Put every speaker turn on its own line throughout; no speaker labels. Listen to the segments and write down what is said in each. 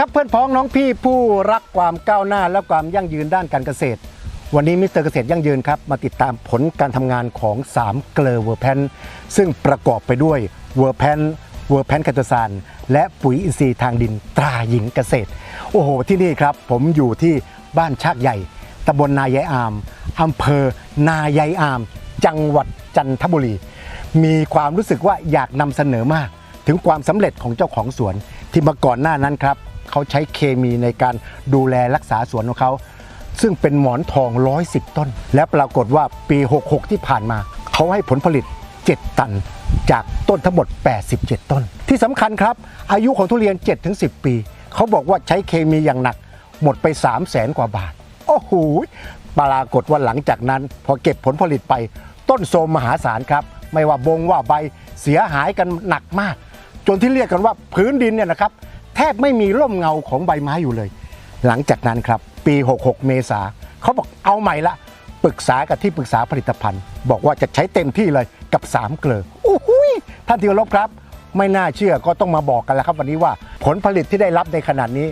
ครับเพื่อนพ้องน้องพี่ผู้รักความก้าวหน้าและความยั่งยืนด้านการเกษตรวันนี้มิสเตอร์เกษตรยั่งยืนครับมาติดตามผลการทำงานของ3เกลอเวอร์แพนซึ่งประกอบไปด้วยเวอร์แพนไคโตซานและปุ๋ยอินทรีย์ทางดินตราหญิงเกษตรโอ้โหที่นี่ครับผมอยู่ที่บ้านชากใหญ่ตำบลนายายอามอำเภอนายายอามจังหวัดจันทบุรีมีความรู้สึกว่าอยากนำเสนอมากถึงความสำเร็จของเจ้าของสวนที่มาก่อนหน้านั้นครับเขาใช้เคมีในการดูแลรักษาสวนของเขาซึ่งเป็นหมอนทอง110ต้นและปรากฏว่าปี66ที่ผ่านมาเขาให้ผลผลิต7ตันจากต้นทั้งหมด87ต้นที่สำคัญครับอายุของทุเรียน 7-10 ปีเขาบอกว่าใช้เคมีอย่างหนักหมดไป300,000 กว่าบาทโอ้โหปรากฏว่าหลังจากนั้นพอเก็บผลผลิตไปต้นโทรมมหาศาลครับไม่ว่าบงว่าใบเสียหายกันหนักมากจนที่เรียกกันว่าพื้นดินเนี่ยนะครับแทบไม่มีร่มเงาของใบไม้อยู่เลยหลังจากนั้นครับปี66เมษาเขาบอกเอาใหม่ละปรึกษากับที่ปรึกษาผลิตภัณฑ์บอกว่าจะใช้เต็มที่เลยกับ3เกลอโอ้โหท่านที่เคารพครับไม่น่าเชื่อก็ต้องมาบอกกันแล้วครับวันนี้ว่าผลผลิตที่ได้รับในขนาดนี้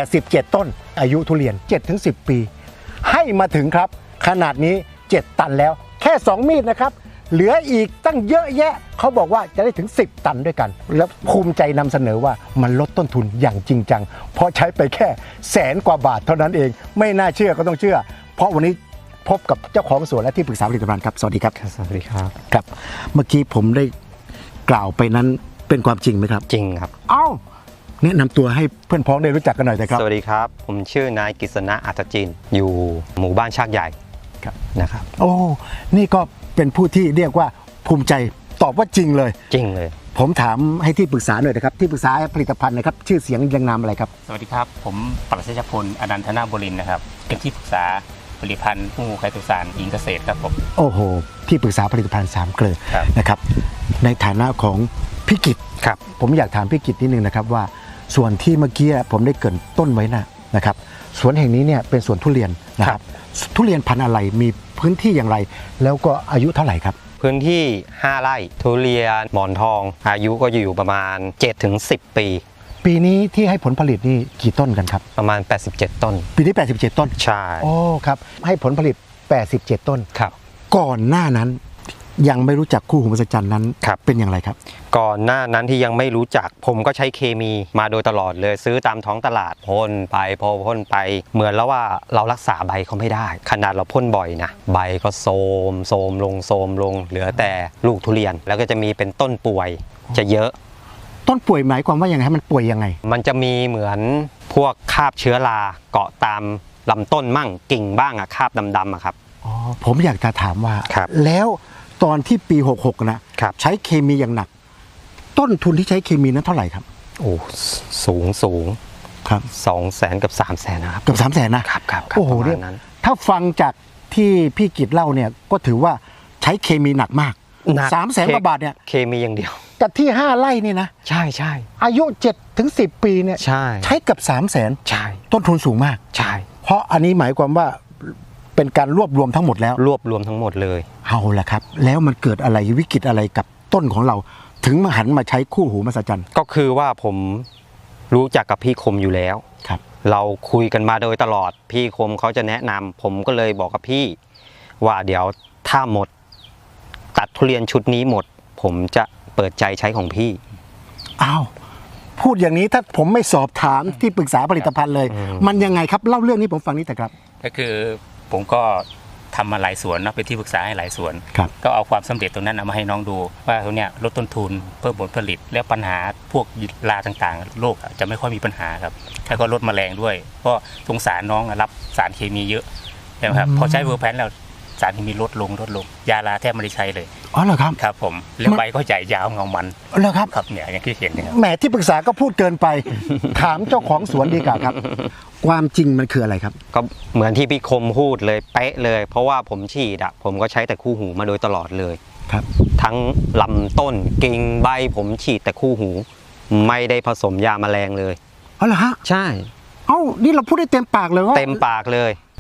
87ต้นอายุทุเรียน 7-10 ปีให้มาถึงครับขนาดนี้7ตันแล้วแค่2มีดนะครับเหลืออีกตั้งเยอะแยะเขาบอกว่าจะได้ถึง10ตันด้วยกันแล้วภูมิใจนำเสนอว่ามันลดต้นทุนอย่างจริงจังเพราะใช้ไปแค่100,000 กว่าบาทเท่านั้นเองไม่น่าเชื่อก็ต้องเชื่อเพราะวันนี้พบกับเจ้าของสวนและที่ปรึกษาผลิตภัณฑ์ครับสวัสดีครับ
สวัสดีครับ
ครับเมื่อกี้ผมได้กล่าวไปนั้นเป็นความจริงไหมครับ
จริงครับ
เอ้าแนะนำตัวให้เพื่อนพ้องได้รู้จักกันหน่อยนะครับ
สวัสดีครับผมชื่อนายกฤษณะอัตจินอยู่หมู่บ้านชากใหญ่นะครับ
โอ้นี่ก็เป็นผู้ที่เรียกว่าภูมิใจตอบว่าจริงเลย
จริงเลย
ผมถามให้ที่ปรึกษาหน่อยนะครับที่ปรึกษาผลิตภัณฑ์นะครับชื่อเสียงยังนามอะไรครับ
สวัสดีครับผมปรัชญาพลอนันทนาบุรินทร์นะครับเป็นที่ปรึกษาผลิตภัณฑ์ผู้ไคโตซานหญิงเกษตรครับผม
โอ้โหที่ปรึกษาผลิตภัณฑ์3เกลอนะครับในฐานะของพี่กิต
ครับ
ผมอยากถามพี่กิตนิดนึงนะครับว่าส่วนที่เมื่อกี้ผมได้เกริ่นต้นไว้นะครับสวนแห่งนี้เนี่ยเป็นสวนทุเรียนนะครับทุเรียนพันธุ์อะไรมีพื้นที่อย่างไรแล้วก็อายุเท่าไหร่ครับ
พื้นที่5ไร่ทุเรียนหมอนทองอายุก็อยู่ประมาณ 7-10 ปี
ปีนี้ที่ให้ผลผลิตนี่กี่ต้นกันครับ
ประมาณ87ต้น
ปีนี้87ต้น
ใช่
โอ้ครับให้ผลผลิต87ต้น
ครับ
ก่อนหน้านั้นยังไม่รู้จักคู่หูมหัศจรรย์นั้นเป็นอย่างไรครับ
ก่อนหน้านั้นที่ยังไม่รู้จักผมก็ใช้เคมีมาโดยตลอดเลยซื้อตามท้องตลาดพ่นไปพอพ่นไปเหมือนแล้วว่าเรารักษาใบเขาไม่ได้ขนาดเราพ่นบ่อยนะใบก็โทรมลงเหลือแต่ลูกทุเรียนแล้วก็จะมีเป็นต้นป่วยจะเยอะ
ต้นป่วยหมายความว่าอย่างไรมันป่วยยังไง
มันจะมีเหมือนพวกคราบเชื้อราเกาะตามลำต้นมั่งกิ่งบ้างอะคราบดำๆอะครับ
อ๋อผมอยากจะถามว่าแล้วตอนที่ปี66นะใช้เคมีอย่างหนักต้นทุนที่ใช้เคมีนั้นเท่าไหร่ครับ
โอ้สูง
ครับ
200,000กับ300,000นะครับ
เกือบ300,000นะครับโอ้โหเนี่ยถ้าฟังจากที่พี่กิตเล่าเนี่ยก็ถือว่าใช้เคมีหนักมาก300,000 กว่าบาทเนี่ย
เคมีอย่างเดียว
แต่ที่5ไร่นี่นะ
ใช่
อายุ7-10 ปีเนี่ยใช้เกือบ300,000
ใช่
ต้นทุนสูงมาก
ใช่
เพราะอันนี้หมายความว่าเป็นการรวบรวมทั้งหมดแล้ว
รวบรวมทั้งหมดเลย
เอาละครับแล้วมันเกิดอะไรวิกฤตอะไรกับต้นของเราถึงมาหันมาใช้คู่หูมหัศจรรย์
ก็คือว่าผมรู้จักกับพี่คมอยู่แล้ว
ครับ
เราคุยกันมาโดยตลอดพี่คมเขาจะแนะนำผมก็เลยบอกกับพี่ว่าเดี๋ยวถ้าหมดตัดทุเรียนชุดนี้หมดผมจะเปิดใจใช้ของพี่
อ้าวพูดอย่างนี้ถ้าผมไม่สอบถามที่ปรึกษาผลิตภัณฑ์เลยมันยังไงครับเล่าเรื่องนี้ผมฟังนิดแต่ครับ
ก็คือผมก็ทำมาหลายสวนนะเป็นที่ปรึกษาให้หลายสวนก็เอาความสำเร็จตรงนั้นเอามาให้น้องดูว่าตรงเนี้ยลดต้นทุนเพิ่มผลผลิตและปัญหาพวกราต่างๆโรคจะไม่ค่อยมีปัญหาครับแล้วก็ลดแมลงด้วยเพราะสงสารน้องรับสารเคมีเยอะนะครับพอใช้เวอร์แพนแล้วสารเคมีลดลงยาลาแทบไม่ได้ใช้เลย
อ๋อเหรอครับ
ครับผมแล้วใบก็ใหญ่ยาวเงามัน
เหรอครับ
ครับเนี่ยอย่างที่เห็นนะครับ
แหมที่ปรึกษาก็พูดเกินไปถามเจ้าของสวนดีกว่าครับความจริงมันคืออะไรครับ
ก็เหมือนที่พี่คมพูดเลยเป๊ะเลยเพราะว่าผมฉีดผมก็ใช้แต่คู่หูมาโดยตลอดเลย
ครับ
ทั้งลำต้นกิ่งใบผมฉีดแต่คู่หูไม่ได้ผสมยาแมลงเลย
อ๋อเหรอฮะ
ใช่
เอ้านี่เราพูดได้เต็มปากเลยว่า
เต็มปากเลย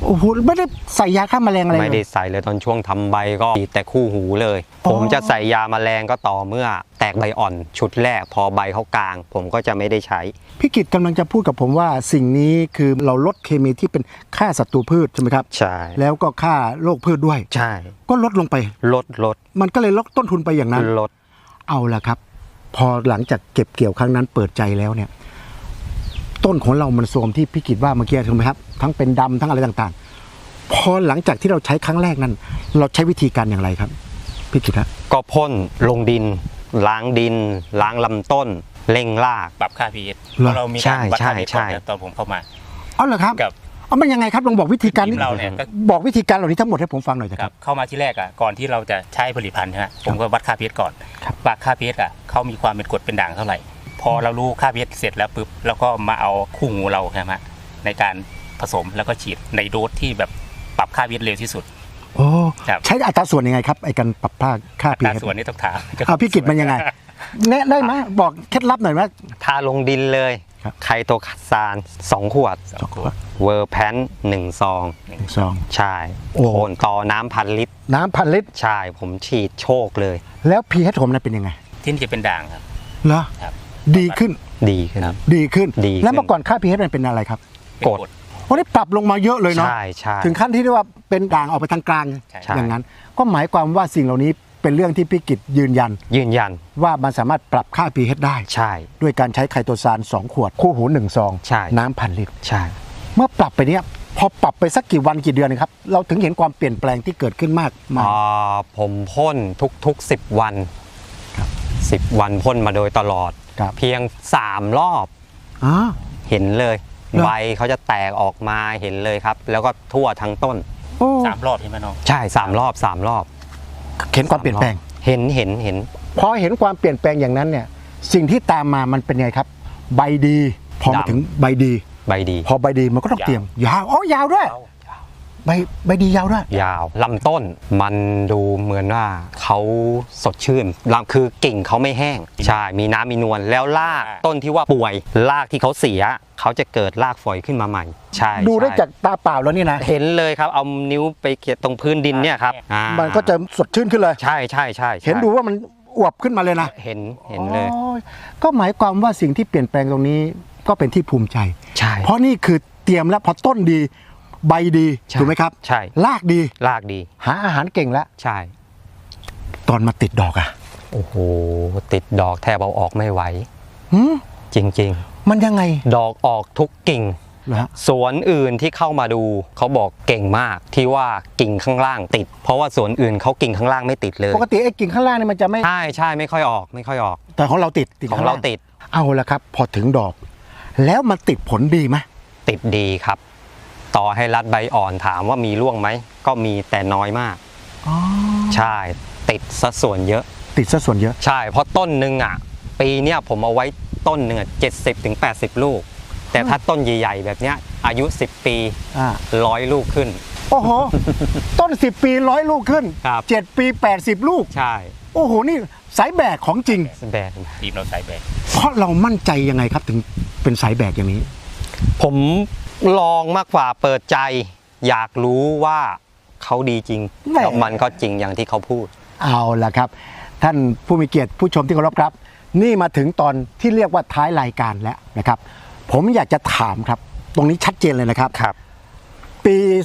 โอ้โหไม่ได้ใส่ยาฆ่าแมลงอะไรเลย
ไม่ได้ใส่เลยตอนช่วงทำใบก็ฉีดแต่คู่หูเลย ผมจะใส่ยาแมลงก็ต่อเมื่อแตกใบอ่อนชุดแรกพอใบเขากลาง ผมก็จะไม่ได้ใช้
พี่กิตกำลังจะพูดกับผมว่าสิ่งนี้คือเราลดเคมีที่เป็นฆ่าศัตรูพืชใช่ไหมครับ
ใช่
แล้วก็ฆ่าโรคพืชด้วย
ใช่
ก็ลดลงไป
ลด
มันก็เลยลดต้นทุนไปอย่างนั้น
ลด
เอาละครับ พอหลังจากเก็บเกี่ยวครั้งนั้นเปิดใจแล้วเนี่ย ต้นของเรามันโทรมที่พี่กิตว่าเมื่อกี้ถูกไหมครับทั้งเป็นดำทั้งอะไรต่างๆ พอหลังจากที่เราใช้ครั้งแรกนั้น เราใช้วิธีการอย่างไรครับพี่กิตฮะ
ก็พ่นลงดิน ล้างดิน ล้างลำต้นเร่งราก
ปรับค่า pH เพราะเรามีการวัดค่า pH
ใช่
ก่อนนะตอนผมเข้ามา
เอาเหรอครับ
กับ
เอามันยังไงครับลองบอกวิธีการ
ทีมเราเนี่ยก็
บอกวิธีการเหล่านี้ทั้งหมดให้ผมฟังหน่อยเถอะ
ค
ค
รั
รั
บบ เข้ามาที่แรกอ่ะก่อนที่เราจะใช้ผลิตภัณฑ์ใช่ไหมผมก็วัดค่า pH ก่อน
ครับ
วัดค่า pH อ่ะเขามีความเป็นกรดเป็นด่างเท่าไหร่ พอเรารู้ค่า pH เสร็จแล้วปุ๊บแล้วก็มาเอาคู่หูเราใช่ไหมในการผสมแล้วก็ฉีดในโดสที่แบบปรับค่า pH เร็วที่สุด
โอ้
ครับ
ใช้อัตราส่วนยังไงครับไอ้การปรับค่า
แต่
pH
ส่วนนี้ต้องถาม
เอาพี่กิตมันยังไงแนะได้ไหมบอกเคล็ดลับหน่อยว่า
ทาลงดินเลย
ครับ
ไคโตซาน2 ขวด
สองขวด
เวอร์แพน1 ซอง
ซอง
ใช่
โอ้
โอนต่อน้ำ1,000 ลิตร
น้ำพันลิตร
ใช่ ผมฉีดโชคเลย
แล้ว pH ผมนั้นเป็นยังไง
ที่นี่จะเป็นด่างครับ
เหรอ
ครับ
ดีขึ้น
ดีขึ้น
ดีขึ้น
ดีขึ้น
แล้วเมื่อก่อนค่า pH มันเป็นอะไรครับ
เป็น
กด
โอ้นี่ปรับลงมาเยอะเลยเนาะ
ใช่ใช่
ถึงขั้นที่เรียกว่าเป็นด่างออกไปทางกลาง
ใช่
อย่างนั้น ก็หมายความว่าสิ่งเหล่านี้เป็นเรื่องที่พี่กิตยืนยัน
ยืนยัน
ว่ามันสามารถปรับค่า pH ได้
ใช่
ด้วยการใช้ไคโตซาน2 ขวด คู่หู1 ซอง
ใช่
น้ำพันลิตร
ใช่
เมื่อปรับไปเนี้ยพอปรับไปสักกี่วันกี่เดือนนะครับ เราถึงเห็นความเปลี่ยนแปลงที่เกิดขึ้นมากมาย
ผมพ่นทุกๆ10 วัน
ครับ
10 วันพ่นมาโดยตลอด
ครับ
เพียง 3 รอบ
อ๋อ
เห็นเลย
เหรอ
ใบเขาจะแตกออกมาเห็นเลยครับ แล้วก็ทั่วทั้งต้น
โอ้
3 รอบใช่ไหมน้อง
ใช่3 รอบ 3 รอบ
เห็นความเปลี่ยนแปลง
เห็น
พอเห็นความเปลี่ยนแปลงอย่างนั้นเนี่ย สิ่งที่ตามมามันเป็นไงครับ ใบดี พอมา
ดำ
ถึงใบดี
ใบดี
พอใบดีมันก็ต้องเตรียมยาวอ๋อยาวด้วยใบดียาวด้วย
ยาวลำต้นมันดูเหมือนว่าเขาสดชื่นลำคือกิ่งเขาไม่แห้ง ใช่ มีน้ำมีนวลแล้วรากต้นที่ว่าป่วยรากที่เขาเสีย เขาจะเกิดรากฝอยขึ้นมาใหม่ ใช่
ดูได้
ใช่
จากตาเปล่าแล้วนี่นะ
เห็นเลยครับเอานิ้วไปเขียตรงพื้นดินเนี่ยครับอ่า
มันก็จะสดชื่นขึ้นเลย
ใช่ใช่ใช่
เห็นดูว่ามันอวบขึ้นมาเลยนะ
เห็นเลย
โอ้ก็หมายความว่าสิ่งที่เปลี่ยนแปลงตรงนี้ก็เป็นที่ภูมิใจ
ใช่
เพราะนี่คือเตรียมแล้วพอต้นดี ใบดี
ใช่
ถูกไหมครับ
ใช่
รากดี
รากดี
หาอาหารเก่งแล้ว
ใช่
ตอนมาติดดอกอะ
โอ้โหติดดอกแทบเอาออกไม่ไหว
หืม
จริง
มันยังไง
ๆ ดอกออกทุกกิ่ง
เหรอฮะ
สวนอื่นที่เข้ามาดูเขาบอกเก่งมากที่ว่ากิ่งข้างล่างติด เพราะว่าสวนอื่นเขากิ่งข้างล่างไม่ติดเลย
ปกติไอ้กิ่งข้างล่างนี่มันจะไม่
ใช่ไม่ค่อยออกไม่ค่อยออก
แต่ของเราติด
ของเราติด
เอาละครับ พอถึงดอก แล้วมันติดผลดีไหม
ติดดีครับ ต่อให้รัดใบอ่อนถามว่ามีร่วงไหมก็มีแต่น้อยมาก
อ๋อ
ใช่ติดซะส่วนเยอะ
ติดซะส่วนเยอะ
ใช่เพราะต้นหนึ่งอ่ะปีเนี้ยผมเอาไว้ต้นหนึ่งอ่ะ70-80 ลูก แต่ถ้าต้นใหญ่ๆแบบเนี้ยอายุ10 ปี
อ่า
100 ลูกขึ้น
โอ้โห ต้น 10 ปี100 ลูกขึ้น
ครับ
7 ปี 80 ลูก
ใช่
โอ้โห นี่สายแบกของจริง
แบก
ทีมเราใส่แบก
เพราะเรามั่นใจยังไงครับถึงเป็นสายแบกอย่างนี้
ผมลองมากกว่าเปิดใจ อยากรู้ว่าเขาดีจริง
แหม่
แล้วมันก็จริงอย่างที่เขาพูด
เอาละครับ ท่านผู้มีเกียรติผู้ชมที่เคารพครับ นี่มาถึงตอนที่เรียกว่าท้ายรายการแล้วนะครับ ผมอยากจะถามครับ ตรงนี้ชัดเจนเลยนะครับ
ครับ
ปี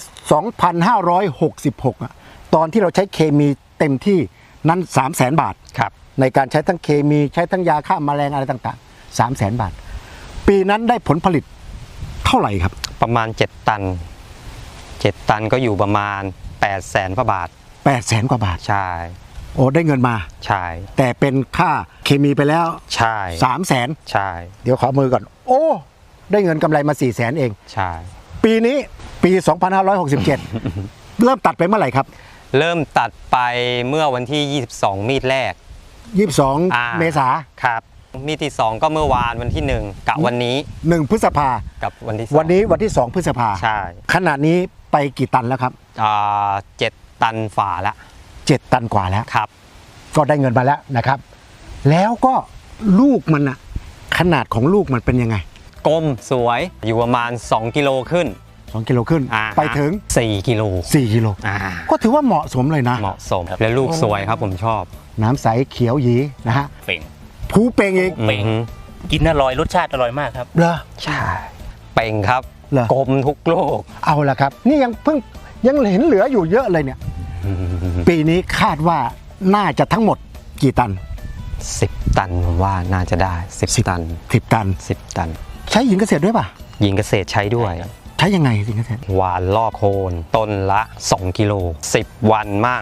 2566อะตอนที่เราใช้เคมีเต็มที่นั้น 300,000 บาท
ครับ
ในการใช้ทั้งเคมีใช้ทั้งยาฆ่าแมลงอะไรต่างๆ 300,000 บาท ปีนั้นได้ผลผลิตเท่าไหร่ครับ
ประมาณ 7 ตัน 7 ตันก็อยู่ประมาณ 800,000 กว่าบาท
800,000 กว่าบาท
ใช่
โอ้ได้เงินมา
ใช่
แต่เป็นค่าเคมีไปแล้ว
ใช่
300,000
ใช่
เดี๋ยวขอมือก่อน โอ้ ได้เงินกำไรมา 400,000 เอง
ใช่
ปีนี้ปี 2567 เริ่มตัดไปเมื่อไหร่ครับ
เริ่มตัดไปเมื่อวันที่ 22 มีดแรก
22 เมษา
ครับ มีดที่ 2 ก็เมื่อวานวันที่ 1กับวันนี้
1 พฤษภา
กับวันที่
วันนี้วันที่ 2 พฤษภา
ใช่
ขณะนี้ไปกี่ตันแล้วครับ
7 ตันฝ่าละ
7 ตันกว่าแล้ว
ครับ
ก็ได้เงินมาแล้วนะครับ แล้วก็ลูกมันอะขนาดของลูกมันเป็นยังไง
กลมสวยอยู่ประมาณ2 กิโลขึ้น
2 กิโลขึ้น
อ่า
ไปถึง
4 กิโล
4 กิโล
อ่า
ก็ถือว่าเหมาะสมเลยนะ
เหมาะสมและลูกสวยครับผมชอบ
น้ำใสเขียวหยีนะฮะ
เป่ง
ผูเป่งอีก
เป่ง
อือฮึ
กินอร่อยรสชาติอร่อยมากครับ
เหรอ
ใช่เป่งครับ
เหรอ
กลมทุกลูก
เอาละครับ นี่ยังเห็นเหลืออยู่เยอะเลยเนี่ย ปีนี้คาดว่าน่าจะทั้งหมดกี่ตัน
10 ตันผมว่าน่าจะได้ 10 ตัน
10 ตัน
10 ตัน
ใช้หญิงเกษตรด้วยป่ะ
ยิงเกษตรใช้ด้วย
ใช้ยังไงหญิงเกษตร
หวานล่อโคนต้นละ 2 กิโล 10 วันมั่ง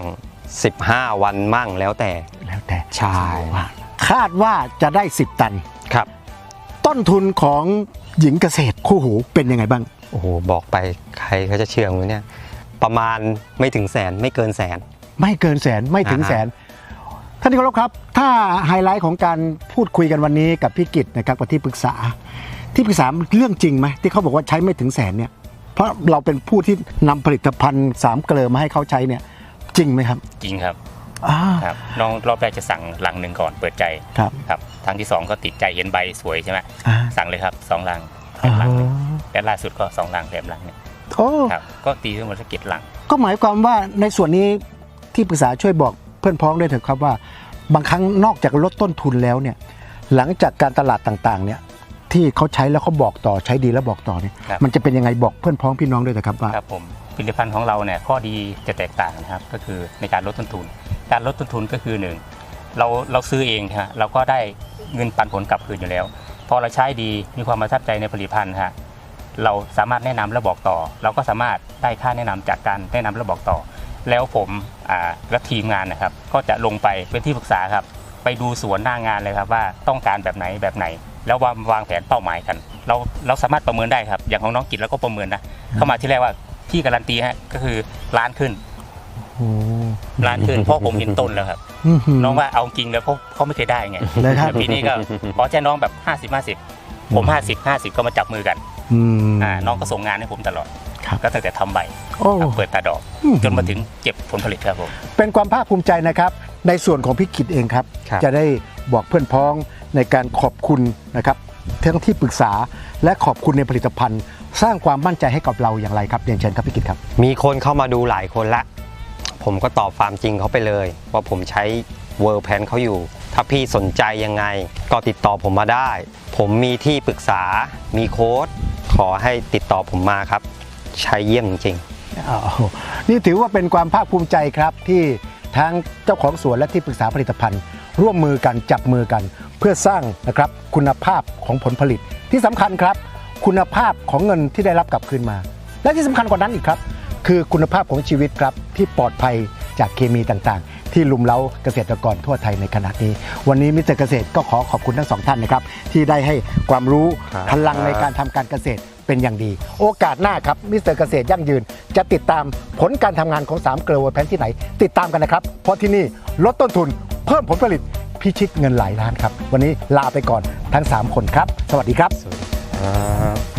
15 วันมั่งแล้วแต่
แล้วแต่
ใช่
ว่าคาดว่าจะได้ 10 ตัน
ครับ
ต้นทุนของหญิงเกษตรคู่หูเป็นยังไงบ้าง
โอ้โหบอกไปใครเขาจะเชื่อมั้ยเนี่ย ประมาณไม่ถึงแสนไม่เกินแสน
ไม่เกินแสนไม่ถึง
อ่าฮะ
แสนท่านที่เคารพครับ ถ้าไฮไลท์ของการพูดคุยกันวันนี้กับพี่กิตนะครับกับที่ปรึกษาเรื่องจริงไหมที่เขาบอกว่าใช้ไม่ถึงแสนเนี่ยเพราะเราเป็นผู้ที่นำผลิตภัณฑ์3 เกลอมาให้เขาใช้เนี่ยจริงไหมครับ
จริงครับ
อ่า
ครับน้องรอบแรกจะสั่งลังหนึ่งก่อนเปิดใจ
ครับ
ครับครั้งที่ 2 ก็ติดใจเห็นใบสวยใช่ไหม
อ่า
สั่งเลยครับ2 ลังแถมลังหนึ่งและล่าสุดก็2 ลังแถมลังเนี่ย
โอ้
ครับก็ตีทั้งหมดสัก7 ลัง
ก็หมายความว่าในส่วนนี้ที่ปรึกษาช่วยบอกเพื่อนพ้องด้วยเถอะครับว่า บางครั้งนอกจากลดต้นทุนแล้วเนี่ยหลังจากการตลาดต่างๆเนี่ยที่เขาใช้แล้วเขาบอกต่อใช้ดีแล้วบอกต่อเนี่ย
ครับ
มันจะเป็นยังไงบอกเพื่อนพ้องพี่น้องด้วยนะครับว่า
ครับผมผลิตภัณฑ์ของเราเนี่ยข้อดีจะแตกต่างนะครับก็คือในการลดต้นทุน การลดต้นทุนก็คือหนึ่งเราซื้อเองฮะเราก็ได้เงินปันผลกลับคืนอยู่แล้ว พอเราใช้ดีมีความประทับใจในผลิตภัณฑ์ฮะเราสามารถแนะนำและบอกต่อ เราก็สามารถได้ค่าแนะนำจากการแนะนำและบอกต่อ แล้วผมและทีมงานนะครับก็จะลงไปเป็นที่ปรึกษาครับไปดูสวนหน้างานเลยครับว่าต้องการแบบไหนแบบไหน แล้ววางแผนเป้าหมายกัน เราสามารถประเมินได้ครับอย่างของน้องกิจแล้วก็ประเมินนะเข้ามาที่แรกว่าพี่การันตีฮะก็คือล้านขึ้น
โอ้
ล้านขึ้นเพราะผมเห็นต้นแล้วครับ
อื้อหือ
น้องว่าเอาจริงแล้วเขาไม่เคยได้ไง
เลยครับ
แล้วปีนี้ก็ขอแจ้น้องแบบ50-50 ผม50-50ก็มาจับมือกัน
อืม
น้องก็ส่งงานให้ผมตลอด
ครับ
ก็ตั้งแต่ทำใบ
โอ้
เปิดตาดอก จนมาถึงเก็บผลผลิตครับผม
เป็นความภาคภูมิใจนะครับในส่วนของพี่กิตเองครับ
ครับ
จะได้บอกเพื่อนพ้องในการขอบคุณนะครับทั้งที่ปรึกษาและขอบคุณในผลิตภัณฑ์ สร้างความมั่นใจให้กับเราอย่างไรครับเรียนเชิญครับพี่กิตครับ
มีคนเข้ามาดูหลายคนละ ผมก็ตอบความจริงเขาไปเลย ว่าผมใช้เวิร์แพนเขาอยู่ ถ้าพี่สนใจยังไงก็ติดต่อผมมาได้ ผมมีที่ปรึกษา มีโค้ดขอให้ติดต่อผมมาครับ ใช้เยี่ยมจริง
อ้าวนี่ถือว่าเป็นความภาคภูมิใจครับที่ทั้งเจ้าของสวนและที่ปรึกษาผลิตภัณฑ์ ร่วมมือกันจับมือกัน เพื่อสร้างนะครับคุณภาพของผลผลิตที่สำคัญครับ คุณภาพของเงินที่ได้รับกลับคืนมา และที่สำคัญกว่านั้นอีกครับ คือคุณภาพของชีวิตครับที่ปลอดภัยจากเคมีต่างๆ ที่ลุมเล้าเกษตรกรทั่วไทยในขณะนี้ วันนี้มิสเตอร์เกษตรก็ขอขอบคุณทั้งสองท่านนะครับที่ได้ให้ความรู้
ครับ
พลังในการทำการเกษตรเป็นอย่างดี โอกาสหน้าครับมิสเตอร์เกษตรยั่งยืน จะติดตามผลการทำงานของ3 เกลือเวอร์แพนที่ไหน ติดตามกันนะครับ เพราะที่นี่ลดต้นทุนเพิ่มผลผลิตพิชิตเงินหลายล้านครับ วันนี้ลาไปก่อนทั้ง 3 คนครับ สวัสดีครับ
ครับ